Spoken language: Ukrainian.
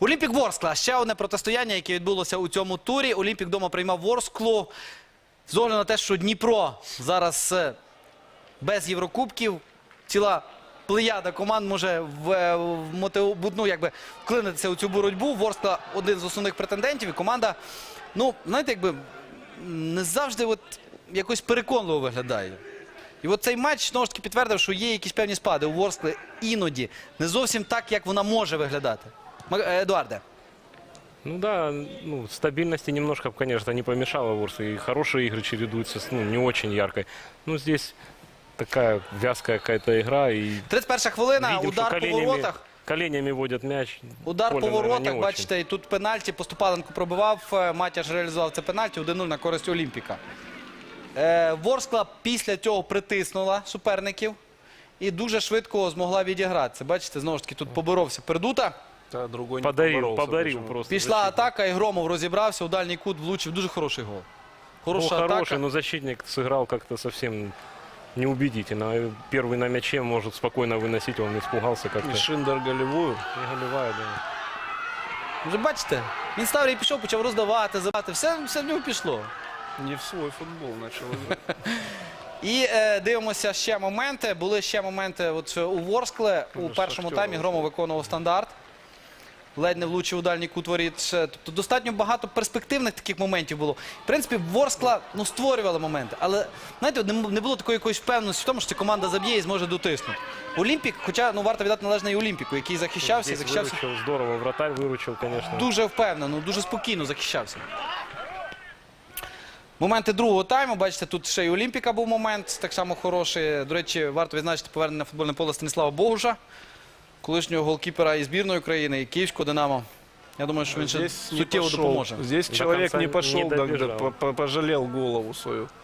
Олімпік Ворскла. Ще одне протистояння, яке відбулося у цьому турі. Олімпік вдома приймав Ворсклу. З огляду на те, що Дніпро зараз без Єврокубків, ціла плеяда команд може вклинитися у цю боротьбу. Ворскла один з основних претендентів. І команда, ну, знаєте, якби не завжди якось переконливо виглядає. І от цей матч, знову ж таки, підтвердив, що є якісь певні спади у Ворскли іноді. Не зовсім так, як вона може виглядати. Едуарде. Ну да, стабильности немножко, конечно, не помешало Ворсу. И хорошие игры чередуются с не очень яркой. Ну, здесь такая вязкая какая-то игра. И 31-ша хвилина, видим, удар по воротах. Коленями водят мяч. Удар Поле, по наверное, воротах, не бачите, і тут пенальті. Поступаленко пробивав, Матяш реалізував це пенальті. 1-0 на користь Олімпіка. Ворскла після цього притиснула суперників і дуже швидко змогла відігратися. Бачите, знову ж таки, тут поборовся Пердута. Да, другой не Подарил поборолся, просто. Пішла защитник. атака, і Громов розібрався, у дальній кут влучив. Дуже хороший гол. Хороша Хороший, атака. но защитник сыграл как-то совсем неубедительно. Первый на мяче может спокойно выносить, он испугался как-то. И Шиндер голевую. Не голевая, да. Вже бачите, він став і пішов, почав роздавати, забивати. Все в нього пішло. Не в свой футбол начал играть. І дивимося ще моменти. Були ще моменти у Ворскли. У першому таймі Громов виконував стандарт. Ледь не влучив у дальній кут воріт. Тобто достатньо багато перспективних таких моментів було. В принципі, Ворскла створювала моменти. Але, знаєте, не було такої якоїсь впевненості в тому, що ця команда заб'є і зможе дотиснути. Олімпік, хоча варто віддати належне і Олімпіку, який захищався. Здесь выручил здорово, вратарь выручил, конечно. Дуже впевнено, дуже спокійно захищався. Моменти другого тайму, бачите, тут ще й Олімпіка був момент, так само хороший. До речі, варто відзначити повернення на футбольне поле Станіслава Богуша, колишнього голкіпера і збірної України, і Київського «Динамо». Я думаю, що він ще суттєво допоможе. Здесь До человек конца не пошел, не добежал. пожалел голову свою.